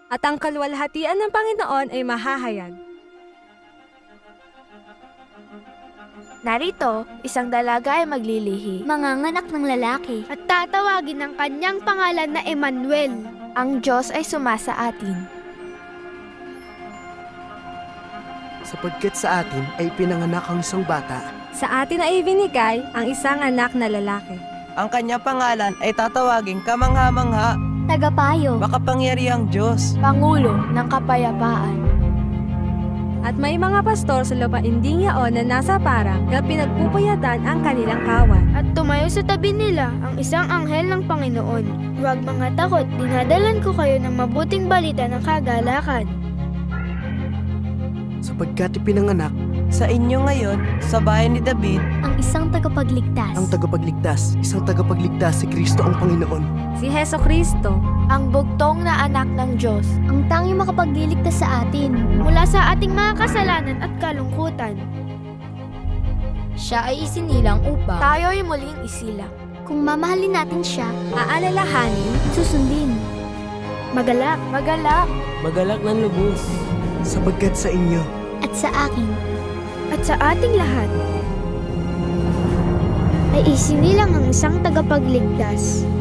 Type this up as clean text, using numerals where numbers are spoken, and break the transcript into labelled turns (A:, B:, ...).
A: at ang kaluwalhatian ng Panginoon ay mahahayag.
B: Narito, isang dalaga ay maglilihi,
C: Manganganak ng lalaki.
D: At tatawagin ang kanyang pangalan na Emmanuel.
B: ang Diyos ay sumasa atin.
E: Sapagkat sa atin ay pinanganak ang isang bata.
A: Sa atin ay ibinigay ang isang anak na lalaki.
F: Ang kanya pangalan ay tatawaging Kamangha-mangha,
C: Tagapayo.
F: Makapangyarihang Diyos.
B: Pangulo ng Kapayapaan.
A: At may mga pastor sa lupainding yaon na nasa parang na pinagpupuyatan ang kanilang kawan.
D: At tumayo sa tabi nila ang isang anghel ng Panginoon. Huwag mga takot, dinadalan ko kayo ng mabuting balita ng kagalakan.
E: Sapagkat ipinanganak
F: Sa inyo ngayon, sa bayan ni David,
C: Ang isang tagapagligtas.
E: ang tagapagligtas, isang tagapagligtas si Kristo ang Panginoon.
A: Si Hesukristo,
B: Ang bugtong na anak ng Diyos.
C: Ang tanging makapagliligtas sa atin.
D: Mula sa ating mga kasalanan at kalungkutan.
B: Siya ay isinilang upang tayo'y muling isilang.
C: Kung mamahalin natin siya,
A: aalalahanin,
C: susundin.
D: Magalak,
B: Magalak.
F: magalak ng lubos.
E: Sapagkat sa inyo
C: At sa akin,
D: at sa ating lahat ay isinilang ang isang tagapagligtas.